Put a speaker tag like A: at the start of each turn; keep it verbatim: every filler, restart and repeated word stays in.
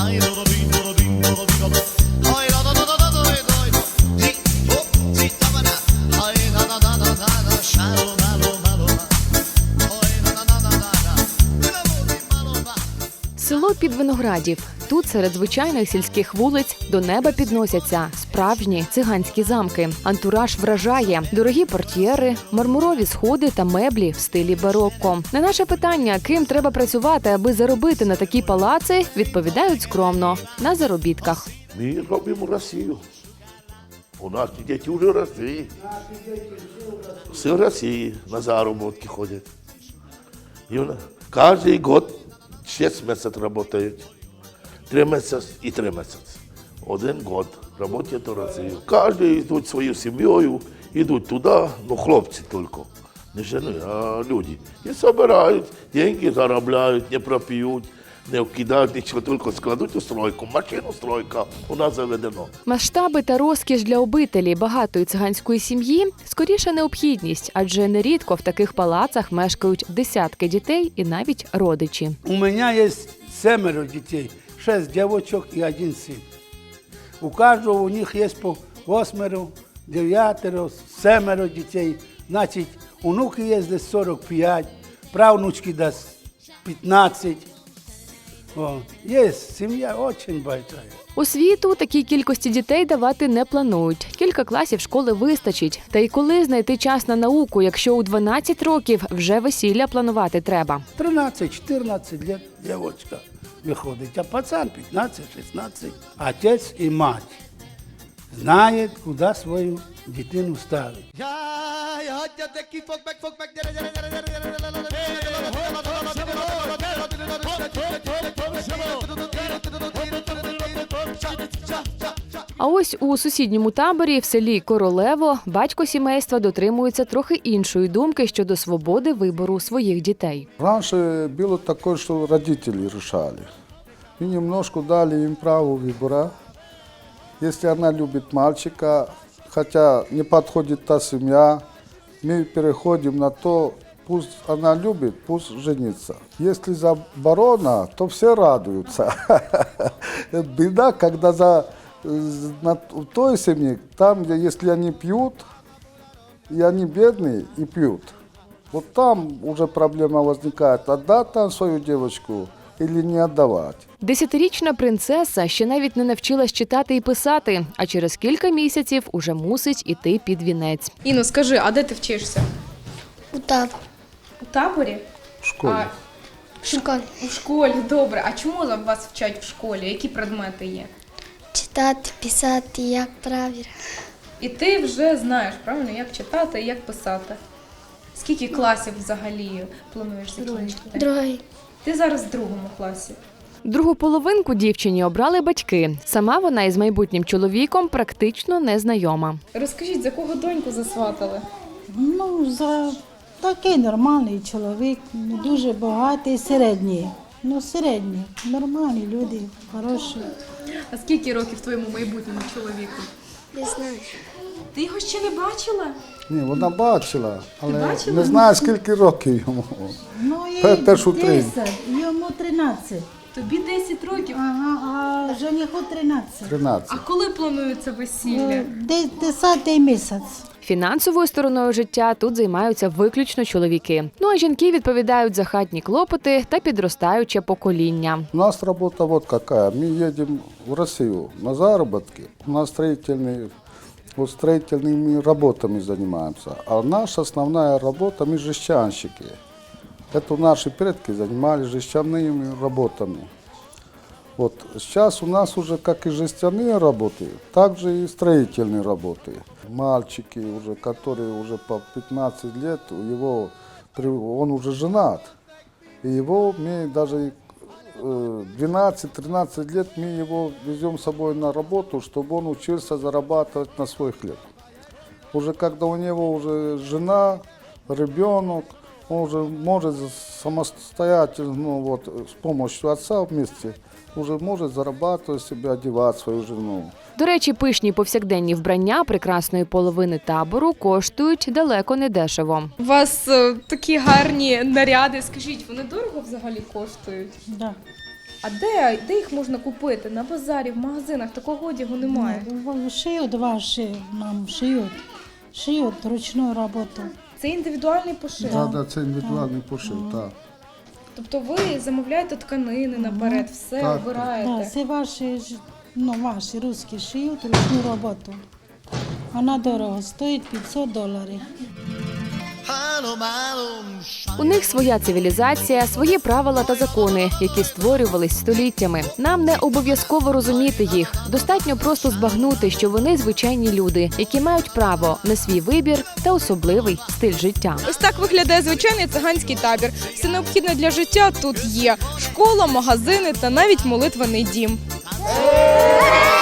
A: Село Підвиноградів. Тут серед звичайних сільських вулиць до неба підносяться справжні циганські замки. Антураж вражає. Дорогі портьєри, мармурові сходи та меблі в стилі барокко. На наше питання, ким треба працювати, аби заробити на такі палаци, відповідають скромно – на заробітках.
B: Ми робимо Росію. У нас діти вже росли. Всі в Росії на заробітки ходять. Кожен год шість місяців працюють. Три місяці і три місяці. Один год працюють в Росії. Кожен йдуть своєю сім'єю, йдуть туди, ну хлопці тільки. Не жени, а люди. І збирають, гроші заробляють, не проп'ють. Не вкидають нічого, тільки складуть у стройку. Машину стройка у нас заведено.
A: Масштаби та розкіш для обителі багатої циганської сім'ї – скоріше необхідність, адже нерідко в таких палацах мешкають десятки дітей і навіть родичі.
C: У мене є семеро дітей, шість дівчаток і один син. У кожного у них є по восьмеро, дев'ятеро, семеро дітей. Значить, онуки є десь сорок п'ять, правнучки десь п'ятнадцять. О, є сім'я дуже велика.
A: Освіту такій кількості дітей давати не планують. Кілька класів школи вистачить. Та й коли знайти час на науку, якщо у дванадцять років вже весілля планувати треба?
C: тринадцять-чотирнадцять років дівчинка виходить, а пацан п'ятнадцять-шістнадцять. Отець і мать знають, куди свою дитину ставити.
A: А ось у сусідньому таборі в селі Королево батько сімейства дотримується трохи іншої думки щодо свободи вибору своїх дітей.
D: Раніше було таке, що родителі вирішали. Ми немножко дали їм право вибору. Якщо вона любить мальчика, хоча не підходить та сім'я, ми переходимо на то, пусть она любит, пусть женится. Если заборона, то все радуются. Беда, когда за, на той семье, там, где если они пьют, и они бедные и пьют, вот там уже проблема возникает, отдать там свою девочку или не віддавати.
A: Десятирічна принцеса ще навіть не навчилась читати і писати, а через кілька місяців уже мусить іти під вінець.
E: Іно, скажи, а де ти вчишся?
F: У таборі.
E: У таборі?
D: В школі.
E: А,
F: В школі.
E: у школі, добре. А чому вас вчать в школі? Які предмети є?
F: Читати, писати, як правильно.
E: І ти вже знаєш, правильно, як читати і як писати. Скільки класів взагалі плануєш закінчити?
F: Другий.
E: Ти зараз в другому класі.
A: Другу половинку дівчині обрали батьки. Сама вона із майбутнім чоловіком практично не знайома.
E: Розкажіть, за кого доньку засватали?
G: Ну, за такий нормальний чоловік, не дуже багатий, середній. Ну, середній, нормальні люди, хороші.
E: А скільки років твоєму майбутньому чоловіку?
F: Не знаю.
E: Ти його ще не бачила?
D: Ні, вона бачила, але
E: бачила?
D: не знаю, скільки років йому.
G: Ну,
D: Те-
G: і
D: теж у три.
G: десять, йому тринадцять.
E: Тобі десять років.
G: Ага, а жениху тринадцять.
D: тринадцять.
E: А коли планується весілля?
G: Ну, де- Десятий місяць.
A: Фінансовою стороною життя тут займаються виключно чоловіки. Ну а жінки відповідають за хатні клопоти та підростаюче покоління.
D: У нас работа вот какая. Мы едем в Россию на заработки. У нас строительные, вот строительными работами занимаемся. А наша основная работа, мы жестянщики. Это наши предки занимались жестяными работами. Вот сейчас у нас уже как и жестяные работы, так же и строительные работы. Мальчики, уже, которые уже по пятнадцать лет, его, он уже женат. И его мы даже двенадцать-тринадцать лет мы его везем с собой на работу, чтобы он учился зарабатывать на свой хлеб. Уже когда у него уже жена, ребенок, он уже может самостоятельно, ну, вот, с помощью отца вместе, уже може зарабатувати собі, одягати свою жену.
A: До речі, пишні повсякденні вбрання прекрасної половини табору коштують далеко не дешево.
E: У вас е, такі гарні наряди. Скажіть, вони дорого взагалі коштують?
G: Да.
E: А де, де їх можна купити? На базарі, в магазинах такого одягу немає.
G: Ну, шиють ваші, нам шиють. Шиють ручну роботу.
E: Це індивідуальний пошив.
D: Да, да, це індивідуальний пошив, так.
E: Тобто ви замовляєте тканини наперед, все
D: Так.
E: обираєте.
G: Да, це ваші, ж- ну, ваші русські шиють ручну роботу. Вона дорого, стоїть п'ятсот доларів.
A: У них своя цивілізація, свої правила та закони, які створювались століттями. Нам не обов'язково розуміти їх. Достатньо просто збагнути, що вони звичайні люди, які мають право на свій вибір та особливий стиль життя.
E: Ось так виглядає звичайний циганський табір. Все необхідне для життя тут є: школа, магазини та навіть молитвений дім.